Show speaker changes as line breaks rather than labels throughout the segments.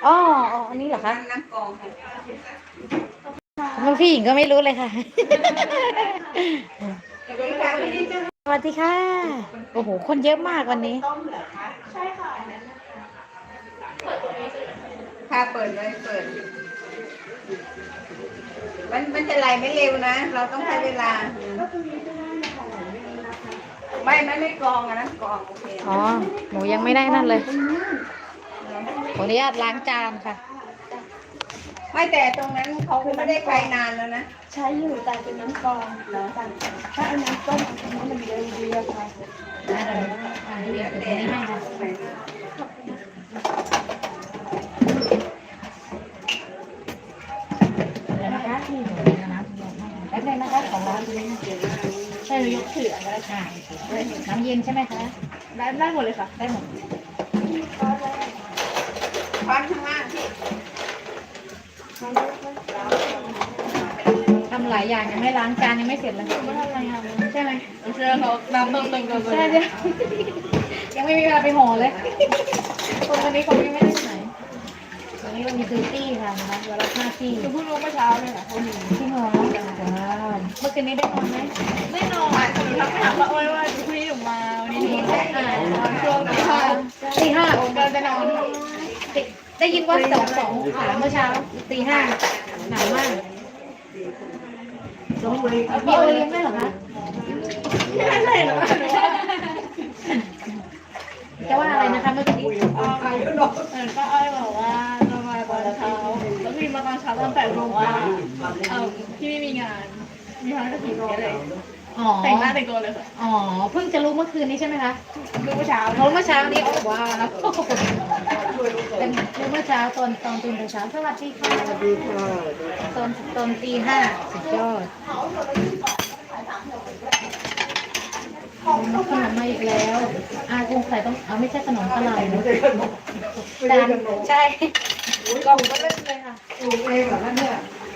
อ๋ออันนี้เหรอคะ
น้ำกรอง
น้องพี่หญิงก็ไม่รู้เลยค่ะ
สวัสดีค่ะพี่ดิฉัน
สวัสดีค่ะ โอ้โห คนเยอะมากวันนี้
ค่ะเปิดเลยเปิดมันจะไหลไม่เร็วนะ เราต้องใช้เวลาไม่กรองอะนะกรองโอเค
อ๋อ หนูยังไม่ได้นั่นเลย ขออนุญาตล้างจานค่ะ
ไม่แต่ตรงนั้นเขาไม่ได้ใช้นานแล้วนะ
ใช้อยู่แต่เป็นน้ำกรองแล้วกันถ้าเอาน้ำต้มอันนี้มันเร็วดีอะค่ะ
เดี๋ยวแต่
แป๊บนึงนะคะของร้านนี้
ใช่หรือยกถืออันนั้นค่ะ
น้ำเย็นใช่ไหมคะ
ได้หมดเลยค่ะ
ได้หมด
ช้อนข้างล่างพี่
ทำหลายอย่างยังไม่ล้างจานยังไม่เสร็จเลย
ไม่ทำอะไรอ่ะ
ใช่ไหม
เชื่อเขาน้ำเติมกันเล
ใช่
ย
ใช่ยังไม่มีเวลาไปห่อเลย คนวันนี้เขายังไม่ได้ไหนวันนี้เรามีซื้อตี้ค่ะนะคะวันละ5ตี้
คือเพิ่งรู้เมื่อเช้าเลยค่ะเขาหนี
ที่นอนว้าวเมื่อคืนนี้ได้นอนไหม
แน่นอนหนูทักไปถามว่าโอ้ยว่าพรุ่งนี้หนูมาวันนี้หนูนอนช่วงตี 5
ตี 5
ผมกำลังจะนอน
ได้ยินว่า2 ขาเมื่อเช้าตี 5หนาวมากมีโอเลี้ยงด้วยเหรอคะ
ไม่ใช่หรอ
จะว่าอะไรนะคะเมื่อกี้
ก็อ้อยบอกว่าจะมาตอนเช้าแล้วพี่มาตอนเช้าตอน8 โมงว่าพี่ไม่มีงานมีงานก็ถึงเลย
อ๋อ
แต่งหน้าแต่งตัวเลยค่ะ
อ๋อเพิ่งจะรู้เมื่อคืนนี้ใช่ไหมคะ
รู้เมื่อเช้า
รู้เมื่อเช้านี้โอ้ว้าวแล้วเป็นรู้เมื่อเช้าตอนตื่นแต่เช้าสวัสดีค่ะสวัสดีค่ะตอนตี 5สุดยอดขนมมาอีกแล้วคงใส่ต้องเอาไม่ใช่ขนมอะไรนะจานใช่กล่องก็เล่นเลยค่ะโอ้เองเหรอเนี่ย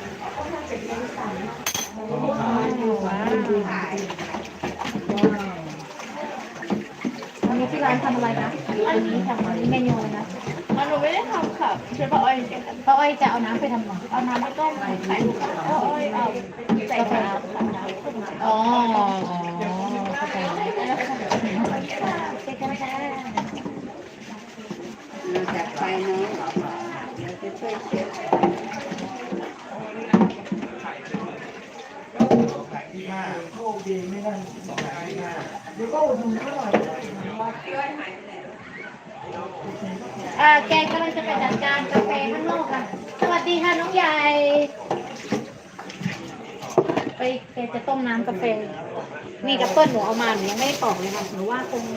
ว้าววันนี้ที่ร้านทำอะไรนะอันนี้เมนูอะไรนะ
หนูไม่ได้ทำค่ะช่วยป้าอ้อยเฉยๆ
ป้าอ้อยจะเอาน้ำไปทำอะไร
เอาน้ำไปต้มใส่ป้าอ้อยเอาใส่น้ำค่ะน้ำต้ม
อ๋อเข้าใจแล้วเจ๊กันค่ะ
เราจัดไฟน้อยเราจะช่วยเช็ด
แกงกำลังจะไปจัดการกาแฟข้างนอกค่ะสวัสดีค่ะน้องใหญ่ไปแกจะต้มน้ำกาแฟนี่ดับเบิ้ลหนูเอามาหนูยังไม่ได้ปอกเลยค่ะหนูว่าคง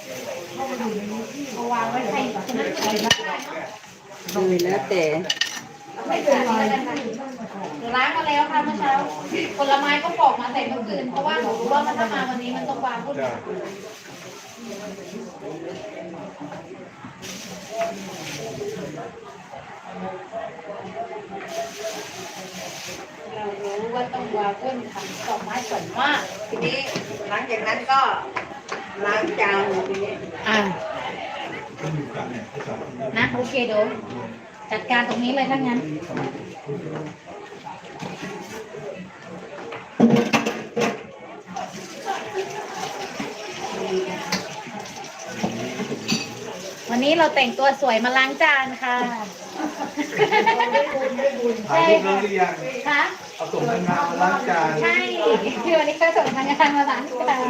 เอาวางไว้ใครฉะนั้นใส่ได้เนาะ
ดูแล้วแต่
ไม่เป็นไรหนูล้างมาแล้วค่ะเมื่อเช้าผลไม้ก็ปอกมาใส่เมื่อคืนเพราะว่าหนูรู้ว่ามันถ้ามาวันนี้มันต้องวางพุ่นเรารู้ว่าต้องวางพุ่นทำดอกไม้สวยมาก
ทีนี้หลังจากนั้นก็ล้างจานทีนี้
นะโอเคเดี๋ยวจัดการตรงนี้เลยถ้างั้นวันนี้เราแต่งตัวสวยมาล้างจานค่ะใช่ค่ะ
เอาส่งทางงานมาล้างจาน
ใช่ที่วันนี้ก็ส่งทางงานมาล้างจาน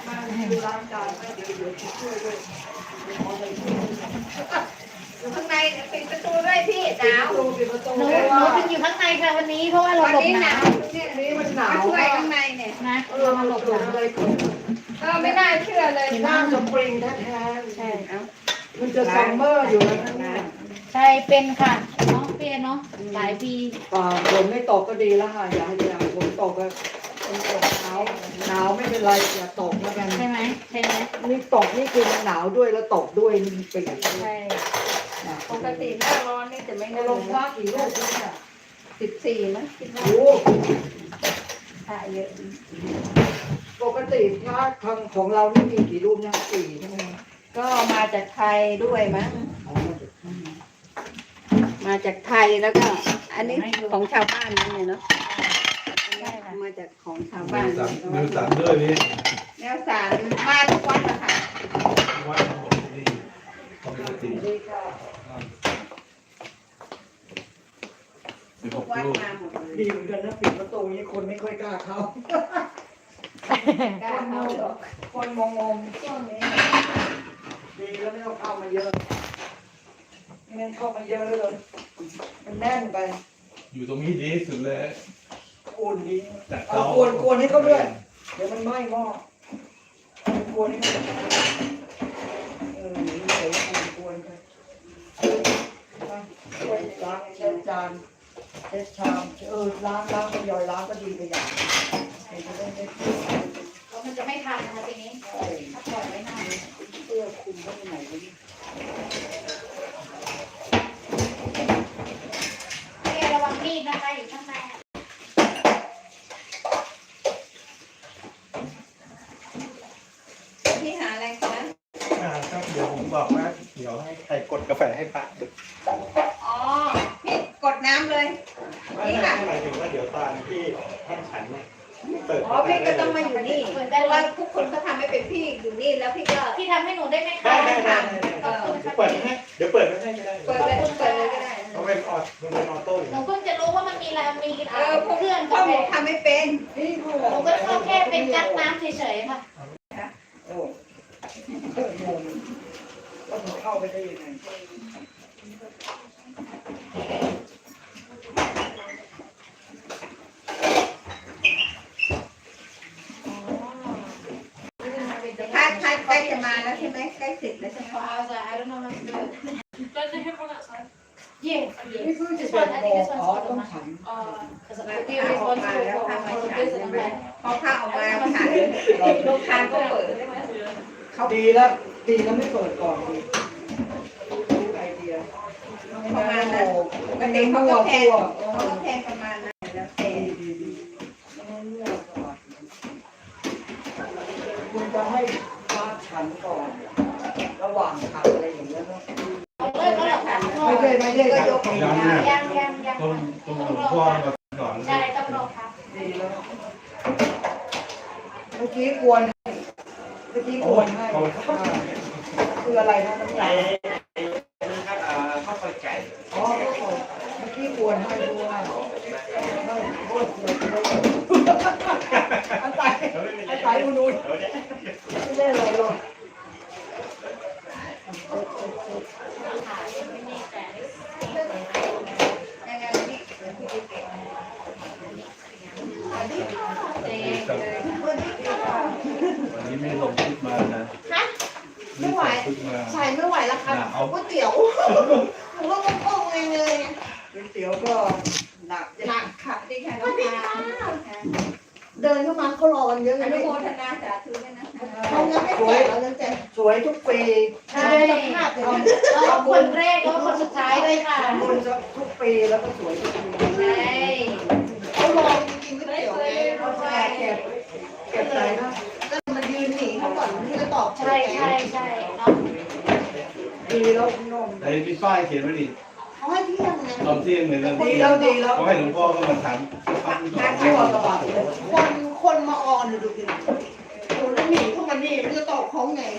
อยู่ข้างในปิดประตูด้วยพี่หนาว
หนูถึงอยู่ข้างในค่ะวันนี้เพราะว่าเรา
วัน
หลบ
นี้
ห
ห
นาน
าว วเนี่ยมันหนาวช่วยข้างในเนี่ย
นะเรามาหลบหนาว
ไม่น่าเชื่อเลย
น้ำสปริงแท้
ใช่
ๆมันจะซัมเมอร์อยู่แล้วนะ
ใช่เป็นค่ะเนาะเปียเนาะหลายปี
ฝนไม่ตกก็ดีแล้วค่ะอย่าฝนตกก็ฝนตกหนาวไม่เป็นไรอย่าตกแล้วกัน
ใช่ไหมใช่ไหม
นี่ตกนี่คือมันหนาวด้วยแล้วตกด้วยมันเปียก
ใช่
ปกติหน้าร้อนนี่จะไม่
ใน
ได้
โร
ล
ง
ง
พักกี่ลูกเนี่ย
14นะคิดว่า
โอ้
ถ่ายเยอะ
ปกติพระของเรานี่มีกี่รูปนะ4ใช่ไหม
ก็มาจากไทยด้วยมั้งมาจากไทยแล้วก็ อันนี้ของชาวบ้านนี่เลยเนาะมาจากของชาวบ้าน
มือสั่นด้วยนี่
แนวสารมาทุกวันนะคะ
วัดของผมนี่ปกติ
ทุกวัดมาหมดเลย
ดีเหมือนกันนะปิดประตูนี้คนไม่ค่อยกล้าเข้า
กล้าเข้าหรอก
คนงงๆช่วงนี้ดีแล้วไม่ต้องเข้ามาเยอะไม่งั้นเข้ามาเยอะเลยมันแน่นไป
อยู่ตรงนี้ดีที่สุดเลย
กวนดี
จาก
เอา
เตาก
วนให้เขาด้วยเดี๋ยวมันไหม้หม้อกวนให้เขานี่เดี๋ยวกวนไปช่วยล้างเช็ดจานเช็ดชามล้างทยอยล้างก็ดีไปอย่างจะได้ไม่
แล้วมันจะไม่ทันนะคะทีนี้
ใช่
ถ้าปล่อยไว้นาน
เสื้อคลุมก็ไม่ไหนเลย
ระวังมีดนะคะอยู่ข้างใน
พี่หาอะไรคะ
ครับเดี๋ยวผมบอกว่าเดี๋ยวให้ใครกดกาแฟให้ป้า
อ๋อพี่กดน้ำเลย
ไม่ใช่หมายถึงว่าเดี๋ยวตอนที่ท่านฉันเนี่ยเปิด
อ๋อพี่ก็ต้องมาอยู่นี่เพราะว่าทุกคนก็ทำให้เป็นพี่อยู่นี่แล้วพี่ก็
พี่ทำให้หนูได้ไหมคะ
ได้เดี๋ยวเปิดให้เดี๋ยวเปิดไม่ให้ก็ได้
เปิดเลยก็ได้
เขาเป็นออดมันเป็นออโต้อยู่
หนูเพิ่งจะรู้ว่ามันมีอะไรมี
พวก
เครื่อง
พ่อก
า
ห
แฟ
มูทำไม่เป็น
นี่
หนูก็เข้าแค่เป็นกั๊กน้ำเฉยๆค่ะ
โอ้งงว่ามันเข้าไปได้ยังไง
ถ้าใกล้จะมาแล้วใช่ไหมใกล้เสร็จแล้วใช่ไหม
I don't know how to do it.
Don't they have one outside?
Yeah.
นี่เพิ่งจะเป็นโมอ๋อต้องฉัน
Because we are responsible for all of this and that.
พอข้าวออกมาฉันลูกค้าก็เปิด
ดีแล้วไม่เปิดก่อนดีรู้ไอเดีย
ประมาณนั้นปกติเขาก็แพงประมาณนั้นแล้วแต่
ดีคุณจะให้พระฉันก่อน ระหว่างขับอะไรอย่างเงี้ยเนาะ ไม่ใช่
ก็ยก
ยัง
ยัง
ตรงหลวงพ่อมาก่อน
ใช่ต้องรอครับ
ดีแล้วเมื่อกี้กวนให้คืออะไรนะน้ำยา
ข้าวไฟไก่
อ๋อเมื่อกี้กวนให้ด้วยไม่โคตรเสียเลยอันตายอุ่นๆไม่ได้เลยหรอก
ยังไงนี่
วันนี้ไม่ลงชุดมานะ
ไม่ไหว
ชุดมา
ใส่ไม่ไหวแล้วครับก๋วยเตี๋ยวหนูก็งงเลย
ก๋วยเตี๋ยวก็หนัก
หนักค่ะดีค่ะน้องพา
เดินเข้ามาเขารอกันเยอะ
อ
เลย
นุโมทนาสาธุด้วยนะ
เขายังไม่แจกเรายังแจก
สวยทุกปี
ใช่เราคนแรกแล้วคนสุดท้ายเลยค่ะ
ทำบุญทุกปีแล้วก็สวยทุกปี
ใช่
เขารอจริงๆไม่เดี๋ยวไง
เขาเก็บใจนะ
แล้วมันยืนหนีเขาก่อนที่จะตอบ
ใช่เนาะ
ดีแล้วนม
ไอ้พี่ป้ายเขียนไว้ดิ
เขาให้เที่ยงไง
ตอนเที่ยงเลยนะ
ดีแล้วดีแล้ว
เขาให้หลวงพ่อก็มาถามฟังก่อน
ทั่วกระบะเลย
คนมาออนดูดิโอ้แล้วหนีเข้ามานี่มันจะตอบเขาไง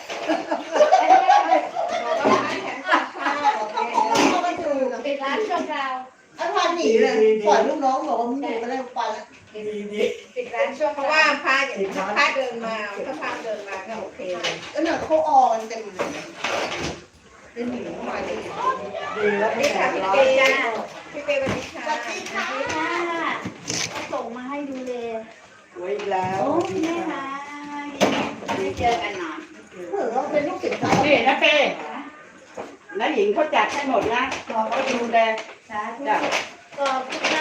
เขาไม่ถูก
ปิดร้านชั่วคราว
ไอ้พาหนีเลยปล่อยลูกน้องบอกว่ามึงหนีไปแล้วไปแล้ว
ดี
ปิดร้านช่วงเพราะว่าพาเดินมาถ้าพาเดินมาก็โอเคเลย
แล้วเนี่ยเขาออนเต็มเลยเป็นหนีเข้ามานี่
ดีแล้วไม่
นี่
แต
ค่ะ
ก
พี่
ร้า
เป
น
ย์จ้าพี่เปย์วันนี้ค่ะ
สวัสดีค่ะ
ส่งมาให้ดูเลย
สวยอีกแล้ว
โอ้แม่ค่ะ
ไม่เจอกันนาน
เผื่อเราเป็นลูกศิษย์เขา
นี่นะเป้น้าหญิงเขาจัดให้หมดนะเราก็ดูแล
สาธุ
จ้ะ
ขอบคุณค่ะ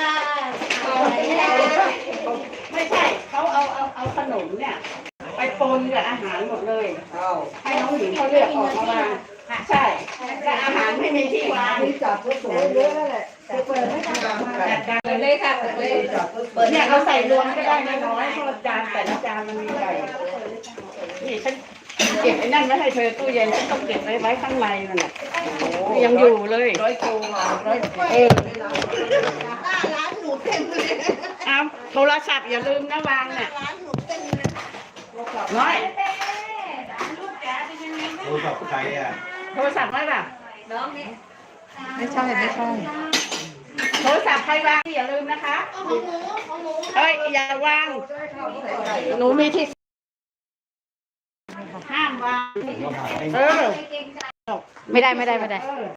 ไม่ใช่เขาเอาขนมเนี่ย ไปปนกับอาหารหมดเลย
เอ้า
ให้น้องหญิงเขาเลือกออกมาใช่แต่อาหารไม่มีที่วาง
ที่จับก็สวยเยอะแหละจะเปิดไม่ทำ
จัดการ
เปิดเลยค่ะเปิดเลย
จับก็สวย
เนี่ยเราใส่รวมก็ได้น้อยๆเพราะจานแต่ละจานมันมีใหญ่นี่ฉันเก็บไอ้นั่นไว้ให้เธอตู้เย็นฉันต้องเก็บไว้ข้างในนั่นแหละยังอยู่เลยร้อยตัว
ร้านหนูเต็มเลย
เอาโทรศัพท์อย่าลืมนะวางน่ะ
ร้านหนูเต็มเลย
น้อย
โทรศัพท์ใครอ่ะ
โทรศัพท์ไว้ป่ะ
ไม่ใช่ไม่ใช่
โทรศัพท์ใครวางอย่าลืมนะคะเฮ้ยอย่าวางหนูมีที่ห้ามวาง
ผมก็หาให้
เออ
ไม่ได้